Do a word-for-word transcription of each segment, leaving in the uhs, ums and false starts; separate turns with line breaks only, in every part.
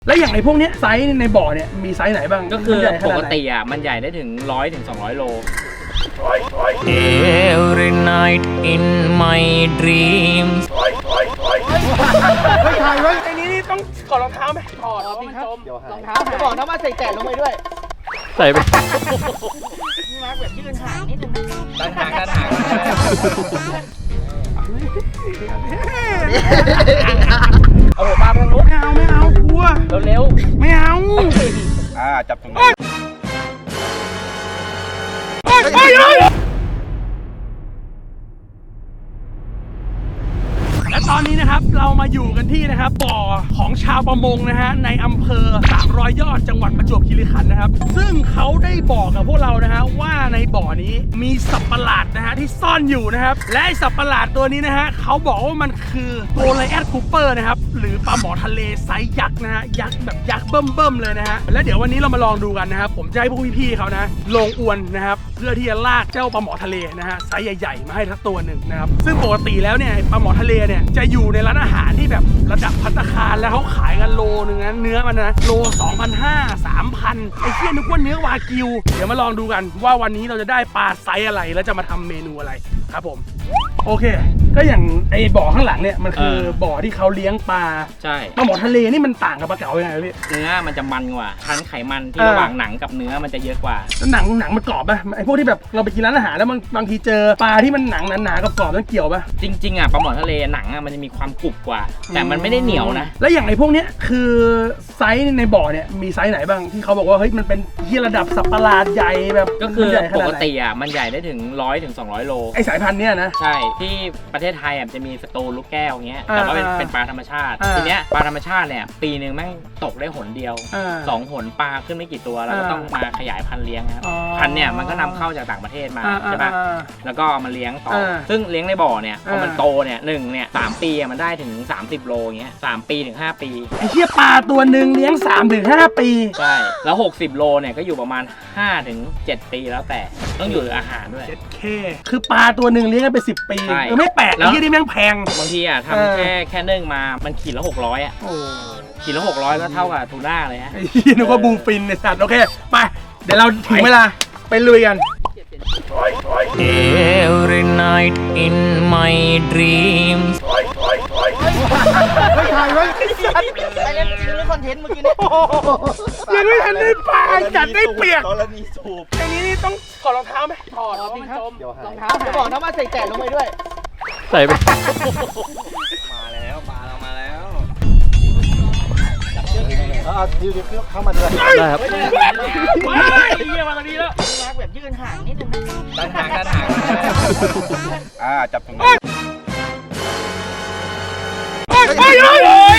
แล้วอย่างไอ้พวกเนี้ยไซส์ในบ่อเนี่ยมีไซส์ไหนบ้าง
ก็คือปกติอ่ะมันใหญ่ได้ถึงร้อยถึงสองร้อยโล
Every night in my dreams
ไม่ถ่ายไว้ไอ้นี้นี่ต้องถอดรองเท้าไหมถอดมันจมรองเท้าจะบอกนะว่าใส่แตะลงไปด้วย
ใส่ไป
นี่มาแบบยืนห่างนิดนึง
ตันหางตันหางเอาหัวปลาไปทางนู้น
ไม่เอาไม่เอากลัว
เร็ว
ไม่เอา
อ่าจับตรงนี้
ไปเลยและตอนนี้นะครับเรามาอยู่กันที่นะครับบ่อของชาวประมงนะฮะในอำเภอสามร้อยยอดจังหวัดประจวบคีรีขันธ์นะครับซึ่งเขาได้บอกกับพวกเรานะฮะว่าในบ่อนี้มีสัตว์ประหลาดนะฮะที่ซ่อนอยู่นะครับและไอสัตว์ประหลาดตัวนี้นะฮะเขาบอกว่ามันคือโกลไลแอดคูเปอร์นะครับหรือปลาหมอทะเลไซส์ยักษ์นะฮะยักษ์แบบยักษ์เบิ่มๆเลยนะฮะและเดี๋ยววันนี้เรามาลองดูกันนะครับผมจะให้พวกพี่ๆเขานะลงอวนนะครับเพื่อที่จะลากเจ้าปลาหมอทะเลนะฮะไซส์ใหญ่ๆมาให้ทักตัวหนึ่งนะครับซึ่งปกติแล้วเนี่ยปลาหมอทะเลเนี่ยจะอยู่ในร้านอาหารที่แบบระดับภัตตาคารแล้วเขาขายกันโลนึงนะเนื้อมันนะโล สองพันห้าร้อย สามพัน ไอ้เหี้ยนึกว่าเนื้อวากิวเดี๋ยวมาลองดูกันว่าวันนี้เราจะได้ปลาไซส์อะไรแล้วจะมาทำเมนูอะไรครับผมโอเคก็อย่างไอ้บ่อข้างหลังเนี่ยมันคือบ่อที่เขาเลี้ยงปลา
ใช่
ปลาหมอทะเลนี่มันต่างกับปลาเก๋ายังไงพี่
เนื้อมันจะมันกว่าชั้นไขมันที่ระหว่างหนังกับเนื้อมันจะเยอะกว่า
แล้วหนังหนังมันกรอบป่ะไอ้พวกที่แบบเราไปกินร้านอาหารแล้วมันบางทีเจอปลาที่มันหนังหนาๆกับกรอบนั่นเกี่ยวป่ะ
จริงๆอ่ะปลาหมอทะเลหนังอ่ะมันจะมีความกรุบกว่าแต่มันไม่ได้เหนียวนะ
แล้วอย่างไอ้พวกเนี้ยคือไซส์ในบ่อเนี่ยมีไซส์ไหนบ้างที่เขาบอกว่าเฮ้ยมันเป็นที่ระดับสัตว์ประหลาดใหญ่แบบ
ก็คือปกติอ่ะมันใหญ่ได้ถึงร้อยถึงสองร้อยโล
ไอ้สายพันธุ์เนี้ยนะ
ใช่ที่ประเทศไทยอ่ะจะมีสตูลูกแก้วเงี้ยแต่ว่าเป็นเป็นปลาธรรมชาติทีเนี้ยปลาธรรมชาติเนี่ยปีนึงแม่งตกได้หนเดียวสองหนปลาขึ้นไม่กี่ตัวแล้วก็ต้องมาขยายพันธุ์เลี้ยงครับพันธุ์เนี่ยมันก็นำเข้าจากต่างประเทศมาใช่ปะแล้วก็เอามาเลี้ยงต่อซึ่งเลี้ยงในบ่อเนี่ยพอมันโตเนี่ยหนึ่งเนี่ยสามปีมันได้ถึงสามสิบโลเงี้ยสามปีถึงห้าปี
ไอ้เหี้ยปลาตัวหนึ่งเลี้ยงสามถึงห้าปี
ใช่แล้วหกสิบโลเนี่ยก็อยู่ประมาณห้าถึงเจ็ดปีแล้วแต่ต้องอยู่อาหารด้วย
เจ็ดเคคือปลาตัวหนึ่งเลี้ยงกันไปสิบปีเออไม่แปลกไอ้เหี้ยนี่แม่งแพง
บางทีอ่ะทำแค่แค่นึ่งมามันขีดละหกร้อยอ่ะขีดละหกร้อยก็เท่ากับทูน่าเลยฮะ
ไอ้เหี้ยนึกว่าบูฟินในสัตว์โอเคไปเดี๋ยวเราถึงเวลาไปลุยกัน
Every night in my dreams
ไม่ถ่ายไว้ไอ้สัตว์ไอ้เล่นจริงหรือคอนเทนต์เมื่อกี้เนี่ยยังไม่ทันได้ปลาจัดได้เปียกตอนนี้สูบไอ้นี้นี่ต้องถอดรองเท้าไหมถอดมันจมรองเท้าจะบอกนะว่าใส่แตะลงไปด้วย
ใส่ไป
มาแล้วปลาเรามาแล้วเอาดิวดิวเข้ามาด้วย
ได้ครับ
ว้ายเยี่ยมาตอนนี้แล้วมาแบบยืนห่างนิดนึง
ตันหางตันหาง
อ่าจับตรงนี้
ไปเลย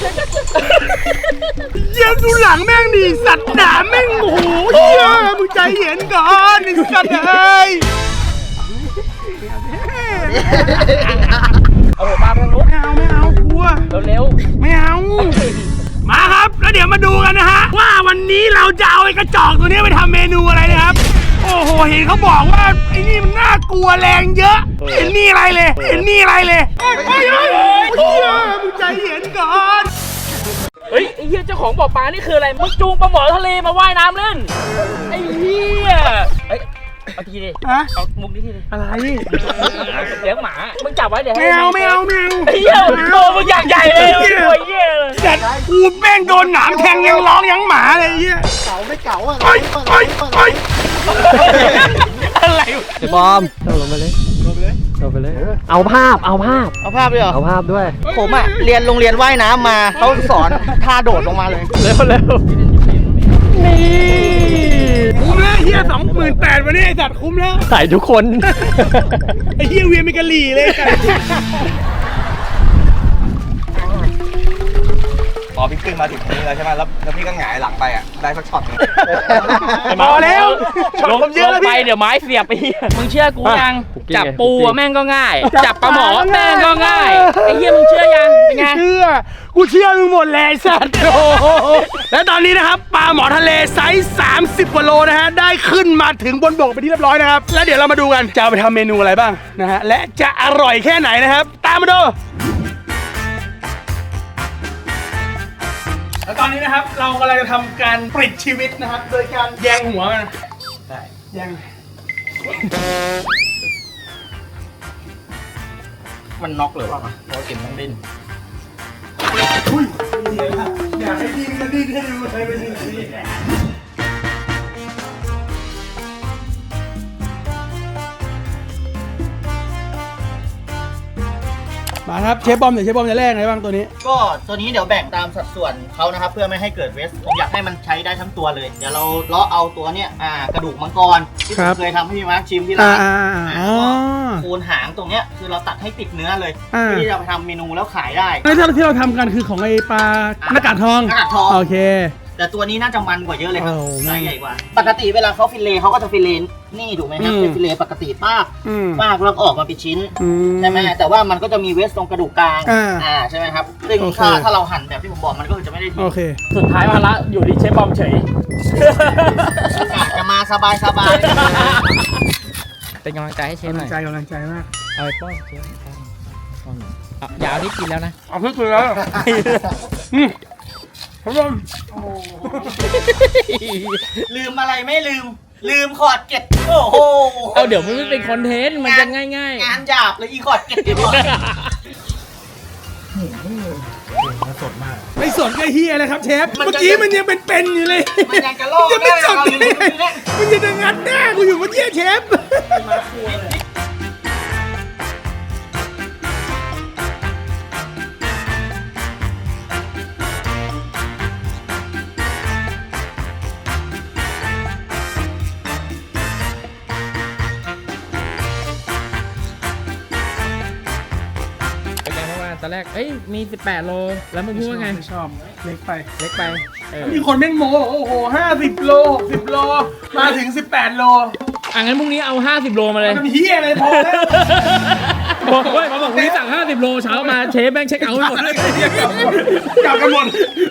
เยี่ยดูหลังแม่งดิสัตว์ด่าแม่งโอ้โหเยี่ยมึงใจเย็นก่อนไอ้สัตว์เอ้ย
เอาหัวปลาไปทางนู้น
ไม่เอาไม่เอากลัว
เร็ว
ไม่เอามาครับแล้วเดี๋ยวมาดูกันนะฮะว่าวันนี้เราจะเอาไอ้กระจอกตัวนี้ไปทำเมนูอะไรนะครับโอ้โหเห็นเขาบอกว่าไอ้นี่มันน่ากลัวแรงเยอะเห็นนี่อะไรเลยเห็นนี่อะไรเลยเฮ้ยเฮ้ยเฮ้ยเฮ้ยมึงใจเย็นก่อน
เฮ้ยไอ้เหี้ยเจ้าของบ่อปลานี่คืออะไรมึงจูงปลาหมอทะเลมาว่ายน้ำเล่นไอ้เหี้ยเฮ้ยเอาทีดิฮะเอามุมนี้ทีดิ
อะไร
เลี้ยงหมามึงจับไว้เดี๋ยว
ไม่เอาไม่เอาไม่เอา
ไอ้เหี้ยโตมึงอย่างใหญ่เลยโอ้ยเหี้ย
จัดกูแม่งโดนหนามแทงยังร้องยังหมาเลยเหี้ย
เก๋าไม่เก๋าอ่ะ
เฮ้ยเฮ้ยเฮ้ย
อะไร
ไอ้บอมเอาลงไปเลยลงไปเลยลงไปเลยเอาภาพเอาภาพ
เอาภาพด้วยเหรอ
เอาภาพด้วย
ผมอ่ะเรียนโรงเรียนว่ายน้ำมาเขาสอนท่าโดดลงมาเลย
เร็วเร็ว
นี่คุ้มแล้วเฮียสองหมื่นแปดวันนี้ไอสัตว์คุ้มแล้ว
ใส่ทุกคน
ไอเฮียเวียนเป็นกะหรี่เลย
พอพี่ขึ้นมาถึงตรงนี้แล้วใช่ไหมแล้วแล้วพี่ก็หงายหลังไปอ่ะได้สักช็อตนึง
พอแล้ว
ลงเยอะไปเดี๋ยวไม้เสียบไปมึงเชื่อกูยังจับปูแม่งก็ง่ายจับปลาหมอแม่งก็ง่ายไอ้เหี้ยมึงเชื่อยังเป็นไง
เชื่อกูเชื่อมึงหมดแหละสัตว์และตอนนี้นะครับปลาหมอทะเลไซส์สามสิบกว่าโลนะฮะได้ขึ้นมาถึงบนบกไปนที่เรียบร้อยนะครับแล้วเดี๋ยวเรามาดูกันจะเอาไปทำเมนูอะไรบ้างนะฮะและจะอร่อยแค่ไหนนะครับตามมาดูเอแล้วตอนนี้นะครับเรากำลังจะทำการปลิดชีวิตนะครับ โดยการแยงหัวมันได้แยง
มันน็อกหรือเปล่าเพราะกินต้องดิ้น
อุ้ยอยากให้ดิ้นก็ดิ้นให้ดูเลยเป็นอย่างนี้มาครับเชฟบอมเดี๋ยวเชฟบอมจะแรกไงบ้างตัวนี้
ก็ตัวนี้เดี๋ยวแบ่งตามสัดส่วนเขานะครับเพื่อไม่ให้เกิดเวสผมอยากให้มันใช้ได้ทั้งตัวเลยเดี๋ยวเราเลาะเอาตัวเนี้ยอ่ากระดูกมังกรที่ผมเคยทำให้พี่มาร์คชิมที่ร้าน
อ่า
อ่าโคนหางตรงเนี้ยคือเราตัดให้ติดเนื้อเลยที่จะไปทำเมนูแล้วขายได้
ไอ้ที่เราทำกันคือของไอ้ปลาหน้ากากทอง
หน้ากากทอง
โอเค
แต่ตัวนี้น่าจะมันกว่าเยอะเลยครับ
โอ้
ไซส์ใหญ่กว่า ปกติเวลาเขาฟิลเลต์เขาก็จะฟิลเลต์นี่ถูกไหมครับ
อืม
เป็นฟิลเลต์ปกติป้าก
อืม
ป้ากแล้วก็ออกมาเป็นชิ้น
อื
ใช่ไหมแต่ว่ามันก็จะมีเวสตรงกระดูกกลาง
อ่า
อ่าใช่ไหมครับซึ่ง
โอเค
ถ้าถ้าเราหั่นแบบที่ผมบอกมันก็จะไม่ได้ที
โอเค
สุดท้ายภาระอยู่ที่เชฟบอมเฉย
กะจะมาสบายสบาย
เป็นกำลังใจให้เชฟ
กำ
ห
ลั
น่
ง
อย
ใจกำลังใจมาก
เอาไปป้อนเชฟป้อนป้อนอ่ะอย่าเอาที่กินแล้วนะ
เอาเพื่อคือแล้วอืมครับผม
ลืมอะไรไม่ลืม ลืมขอดเก็ดโอ้โห
เอาเดี๋ยวมันไม่เป็นคอนเทนต์มันจะง่าย
งานหยาบเลยอีขอดเก็ดเดี๋ยวก่อน
ไม่สนก็เฮียเลยครับเชฟ เมื่อกี้มันยังเป็นเป็นอยู่เลย
มันยังจะลอก
จะไม่สน
ได้
ได้
เราอยู่
ไง
ตรงนี้
มันจะงัดหน้ากูอยู่เมื่อกี้เชฟ
ๆเป็นไงเพราะว่าตอนแรกเอ้ยมีสิบแปดโลแล้วมึงพูดว่าไง
ไม่ชอบเล็กไป
เล็กไปเออ
มีคนแม่งโม้บอกโอ้โหห้าสิบโลหกสิบโล มาถึงสิบแปดโล
อ่ะงั้นพรุ่งนี้เอาห้าสิบโลมาเลย
มันเฮียอะไรพอแล้ว
บอกเว้ยมาบอกพรุ่งนี้สั่งห้าสิบโลเช้ามาเชฟแม่งเช็คเอาท์ให้หมดเลย
กลับกันหมด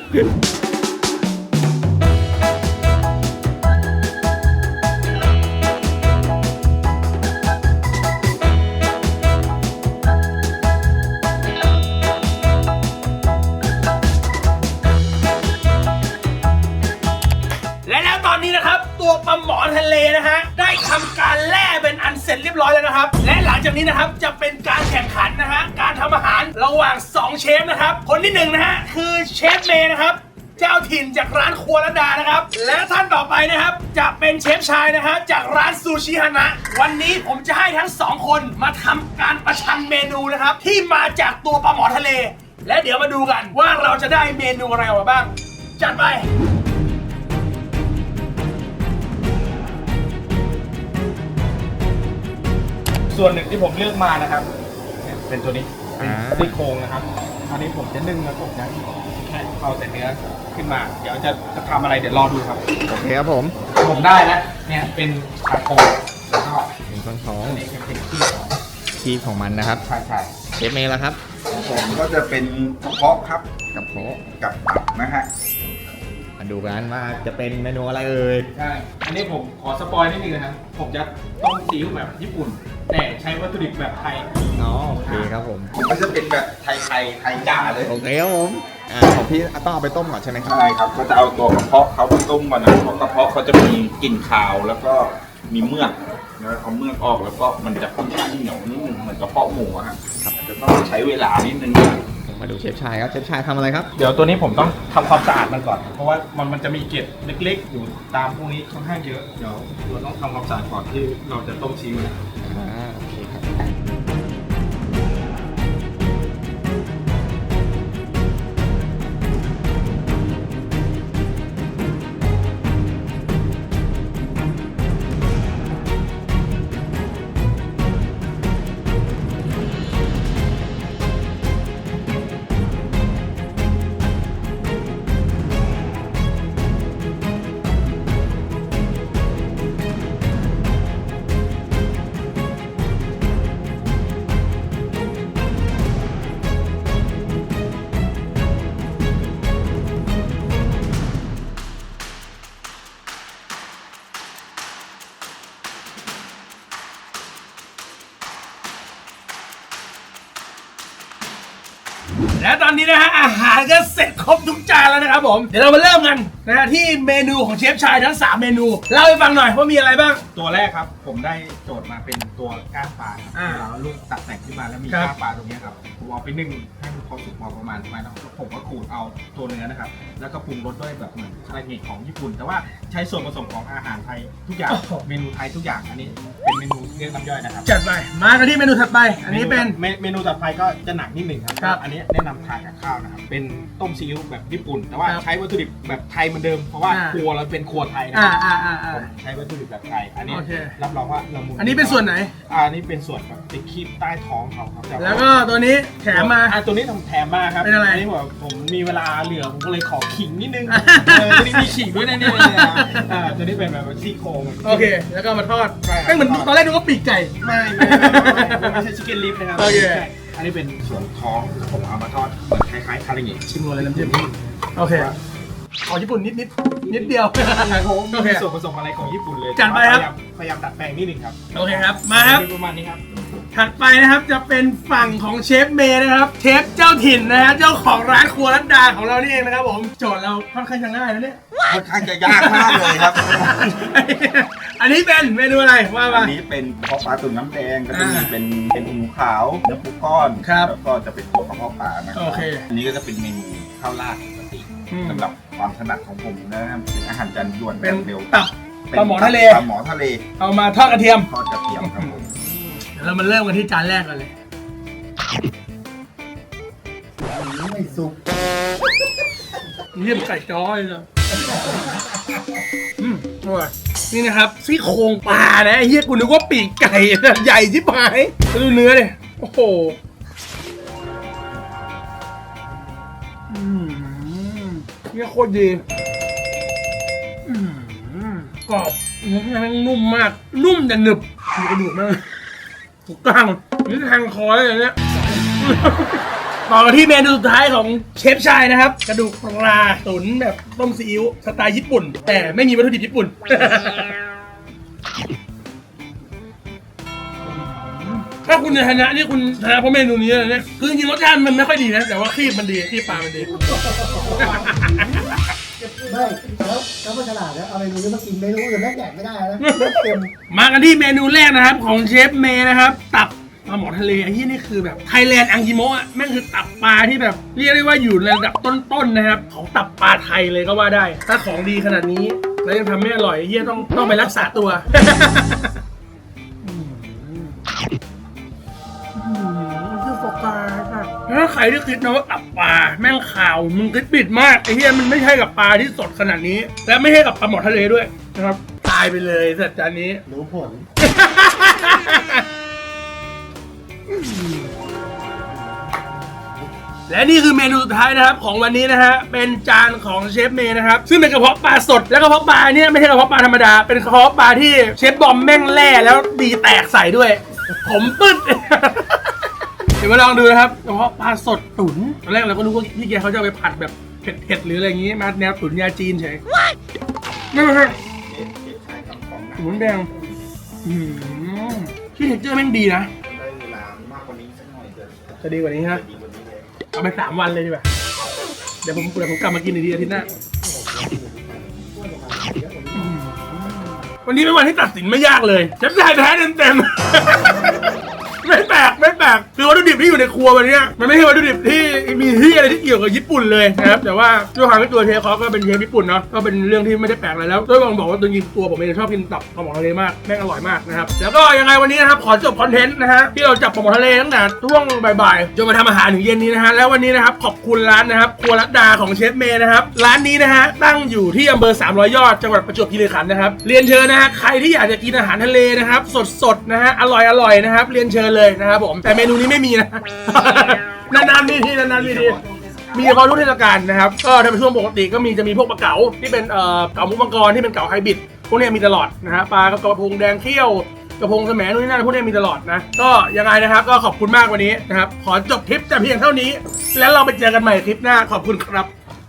และแล้วตอนนี้นะครับ ตัวปลาหมอทะเลนะฮะได้ทำการแล่เป็นอันเสร็จเรียบร้อยแล้วนะครับ และหลังจากนี้นะครับจะเป็นการแข่งขันนะฮะการทำอาหารระหว่างสองเชฟนะครับคนที่หนึ่งนะฮะคือเชฟเมย์นะครับเจ้าถิ่นจากร้านครัวระดานะครับ และท่านต่อไปนะครับจะเป็นเชฟชายนะฮะจากร้านซูชิฮานะวันนี้ผมจะให้ทั้งสองคนมาทำการประชันเมนูนะครับที่มาจากตัวปลาหมอทะเล และเดี๋ยวมาดูกันว่าเราจะได้เมนูอะไรออกมาบ้างจัดไป
ส่วนหนึ่งที่ผมเลือกมานะครับเนี่ยเป็นตัวนี้เป็นซี่โครงนะครับอันนี้ผมจะนึ่งแล้วผมจะแค่เอาแต่เนื้อขึ้นมา เดี๋ยวจะจะทำอะไรเดี๋ยวรอดูครับ
โอเคครับผม
ผมได้แล้วเนี่ยเป็นชาโคแล้วก็
เป็นข้อนท้อง
อันนี้เป็นขี้ของ
คีบของมันนะครับ
ใช่ใช่
เชฟเมย์แล้วครับ
ผมก็จะเป็นกระเพาะครับ
กับโพะ
กับตับนะฮะ
มาดูกันว่าจะเป็นเมนูอะไรเอ่ย
ใช่อันนี้ผมขอสปอยนิดนึงนะครับผมจะต้มซีอิ๊วแบบญี่ปุ่น แต่ใช้วัตถุดิบแบบไทย
อ๋อโอเคครับผม
ผมก็จะเป็นแบบไทยไทยไทยจ๋าเลย
โอเคครับผมอ่าของพี่ต้องเอาไปต้มก่อนใช่ไหมครับ
ใช่ครับก็จะเอาตัวกระเพาะเขาไปต้มก่อนนะเพราะกระเพาะเขาจะมีกลิ่นคาวแล้วก็มีเมือกแล้วเอาเมือกออกแล้วก็มันจะค่อนข้างเหนียวนิดนึงเหมือนกระเพาะหมูอะครับจะต้องใช้เวลานิดนึง
มาดูเชฟชายครับ เชฟชายทำอะไรครับ
เดี๋ยวตัวนี้ผมต้องทำความสะอาดมันก่อน เพราะว่ามันมันจะมีเกล็ดเล็กๆ อยู่ตามพวกนี้ค่อนข้างเยอะ เดี๋ยวเราต้องทำความสะอาดก่อนที่เราจะต้มซีอิ๊วนะ
อ่าโอเคครับ
และตอนนี้นะฮะอาหารก็เสร็จครบทุกจานแล้วนะครับผมเดี๋ยวเรามาเริ่มกันนะฮะที่เมนูของเชฟชายทั้งสามเมนูเล่าให้ฟังหน่อยว่ามีอะไรบ้าง
ตัวแรกครับผมได้โจทย์มาเป็นตัวก้างปลาครับ
อ่า
เราลูกตัดแต่งขึ้นมาแล้วมี
ครับ
ก้างปลาตรงเนี้ยครับผมเอาไปนึ่งให้มันพอสุกพอประมาณประมาณแล้วผมก็ขูดเอาตัวเนื้อนะครับแล้วก็ปรุงรสด้วยแบบเหมือนคาราเกะของญี่ปุ่น แต่ว่าใช้ส่วนผสมของอาหารไทยทุกอย่างเมนูไทยทุกอย่างอันนี้เป็นเมนูเรียกน้ำย่อยนะครับ
จัดไปมากันที่เมนูถัดไปอันนี้เป็น
เมเมนูต่อไปก็จะหนักนิดหนึ่งครับ
ครับ
อันนี้แนะนำทานกับข้าวนะครับ เป็นต้มซีอิ๊วแบบญี่ปุ่น แต่ว่า
ครับ
ใช้วัตถุดิบแบบไทยเหมือนเดิม เพราะว่า
อ่า
ครัวเราเป็นครัวไทยนะ
อ่า
ครับ
อ่าอ่าอ่า
ผมใช้วัตถุดิบแบบไทย อันนี้
โอเค
รับรองว่าละมุน
อันนี้เป็นส่วนไหน
อ่าอันนี้เป็นส่วนแบบติดคีบใต้ท้องเขาครับ
แล้วก็ตัวนี้แถมมา
อ่าตัวนี้ทำแถมมาครับ
เป็นอะไร
นนี้ผมผมมีเวลาเหลือผมก็เลยขอขิงนิดนึงเออตัวนี้มีขิงด้วยนะเนี่ยอ่าตัวนี้เป็นแบบซี่โครง
โอเค แล้วก็มาทอด
ใช่ครับ
ไม่เหมือนตอนแรกนึกว่าปีกไก่
ไม่ไม่ไม่ไม่ไม่ใช่ชิคเก้นลิฟนะครับ
โอเค
ใช่อันนี้เป็นส่วนท้องผมเอามาทอดเหมือนคล้ายๆคาราเกะ
ชิมเลยน้ำจิ้มโอเคขอญี่ปุ่นนิดนิดนิดเดียว
โอ
โอเค
ส่วนผสมอะไรของญี่ปุ่นเลย
จัดไปครับ
พยายามพยายามดัดแปลงนิดนึงครับ
โอเคครับมาครับ
ประมาณนี้ครับ
ถัดไปนะครับจะเป็นฝั่งของเชฟเมย์นะครับเชฟเจ้าถิ่นนะฮะเจ้าของร้านครัวรัตดาของเรานี่เองนะครับผมโจทย์เราค่อนข้างจะง่ายนะเนี่ย
ค่อนข้างจะยากมากเลยครับ
อันนี้เป็นเมนูอะไรว่า
อั
มา
นนี้เป็นกระเพาะปลาตุ๋นน้ำแดงก็จะมี
อ่า
เป็นเป็นหมูขาวเนื้อปูก้อน
ครับ
แล้วก็จะเป็นตัวกระเพาะปลานะครั
โอเค
อันนี้ก็จะเป็นเมนูข้าวราดปกติ
อืม
สำหรับความถนัดของผมนะครับเป็นอาหารจานด่วน
เป็น
เร็ว
ตับ
เป็น
ปลาหมอทะเล
ปลาหมอทะเล
เอามาทอดกระเทียม
ทอดกระเทียมครับผม
เดี๋ยวเรามาเริ่มกันที่จานแรกกันเลย
ไม่สุก
เยี่ยมไก่จ้อยเลยอืมอร่อยนี่นะครับซี่โครงปลานะไอ้เฮียกูนึกว่าปีกไก่นะใหญ่ชิบหายแล้วดูเนื้อดิโอ้โหอืมเนี่ยโคตรดีอืมกรอบเนื้อแม่งนุ่มมาก นุ่มแต่หนึบมีกระดูกมากถูกกลางนี่แทงคอเลยเนี่ย ต่อกันที่เมนูสุดท้ายของเชฟชายนะครับ กระดูกปลาตุ๋นแบบต้มซีอิ๊วสไตล์ญี่ปุ่น แต่ไม่มีวัตถุดิบญี่ปุ่น ถ้าคุณจะชนะนี่คุณชนะเพราะเมนูนี้เลยเนี่ยคือจริงๆรสชาติมันไม่ค่อยดีนะ แต่ว่าครีบมันดีครีบปลามันดี
ไม่แล้วแล้วมันฉลาดนะเอาเมนูนี้มากินเมนูอื่นแม่งแดกไม่ได้นะเลือดเต็ม
มากันที่เมนูแรกนะครับของเชฟเมย์นะครับ ตับปลาหมอทะเลไอ้ที่นี่คือแบบไทยแลนด์อังกิโมะอ่ะแม่งคือตับปลาที่แบบเรียกได้ว่าอยู่ในระดับต้นๆนะครับของตับปลาไทยเลยก็ว่าได้ ถ้าของดีขนาดนี้แล้วยังทำไม่อร่อยไอ้เฮียต้องต้องไปรักษาตัว คือปลาปลาค่ะถ้าใครที่คิดนะว่าตับปลาแม่งข่าวมึงคิดผิดมากไอ้เหี้ยมันไม่ใช่กับปลาที่สดขนาดนี้ และไม่ใช่กับปลาหมอทะเลด้วยนะครับตายไปเลยสัตว์จานนี้
รู้ผล
และนี่คือเมนูสุดท้ายนะครับของวันนี้นะฮะเป็นจานของเชฟเมย์นะครับซึ่งเป็นกระเพาะปลาสดและกระเพาะปลาเนี่ยไม่ใช่กระเพาะปลาธรรมดาเป็นกระเพาะปลาที่เชฟบอมแม่งแล่แล้วดีแตกใส่ด้วย ผมปึ๊ด เดี๋ยวมาลองดูนะครับกระเพาะปลาสดตุ๋นตอนแรกเราก็นึกว่าพี่แกเขาจะเอาไปผัดแบบเผ็ดๆหรืออะไรอย่างงี้มาแนวตุ๋นยาจีนเฉยไม่ไม่ใช่ตุ๋นแดงอืมที่เท็กเจอร์แม่งดีนะ
ได้เวลามากกว่านี้สักหน่อยจะ
จะดีกว่านี้ฮะ
ดีกว่านี้เลย
เอาไปสามวันเลยดีกว่าเดี๋ยวผมเดี๋ยวผมกลับมากินอีกทีอาทิตย์หน้าอืมวันนี้เป็นวันที่ตัดสินไม่ยากเลยเชฟชายแพ้เต็มๆ ไม่แปลกไม่แปลกคือวัตถุดิบที่อยู่ในครัววันนี้มันไม่ใช่วัตถุดิบที่มีที่อะไรที่เกี่ยวกับญี่ปุ่นเลยนะครับแต่ว่าด้วยความที่ตัวเชฟเขาก็เป็นเชฟญี่ปุ่นเนาะก็เป็นเรื่องที่ไม่ได้แปลกอะไรแล้วด้วยบางบอกว่าตัวจริงตัวผมเองชอบกินตับปลาหมอทะเลมากแม่งอร่อยมากนะครับแล้วก็ยังไงวันนี้นะครับขอจบคอนเทนต์นะฮะที่เราจับปลาหมอทะเลตั้งแต่ช่วงบ่ายๆจนมาทำอาหารถึงเย็นนี้นะฮะแล้ววันนี้นะครับขอบคุณร้านนะครับครัวรัตดาของเชฟเมย์นะครับร้านนี้นะฮะตั้งอยู่ที่อำเภอสามร้อยยอดจังหวัดประจวบคีรีขันธ์นะครับเรียนเชิญนะฮะใครที่อยากจะกินอาหารทะเลนะครับสดๆนะฮะอร่อยๆนะครับเรียนเชิญเลยนะครับผมแต่เมนูนี้ไม่มีนะ นานๆมีทีนานๆมีทีมีเฉพาะทุกเทศกาลนะครับก็ถ้าเป็นช่วงปกติก็มีจะมีพวกปลาเก๋าที่เป็นเอ่อเก๋ามุกมังกรที่เป็นเก๋าไฮบริดพวกนี้มีตลอดนะฮะปลากระพงแดงเขี้ยวกระพงแสมนู่นนี่นั่นพวกนี้มีตลอดนะก็ยังไงนะครับก็ขอบคุณมากวันนี้นะครับขอจบคลิปแต่เพียงเท่านี้แล้วเราไปเจอกันใหม่คลิปหน้าขอบคุณครับ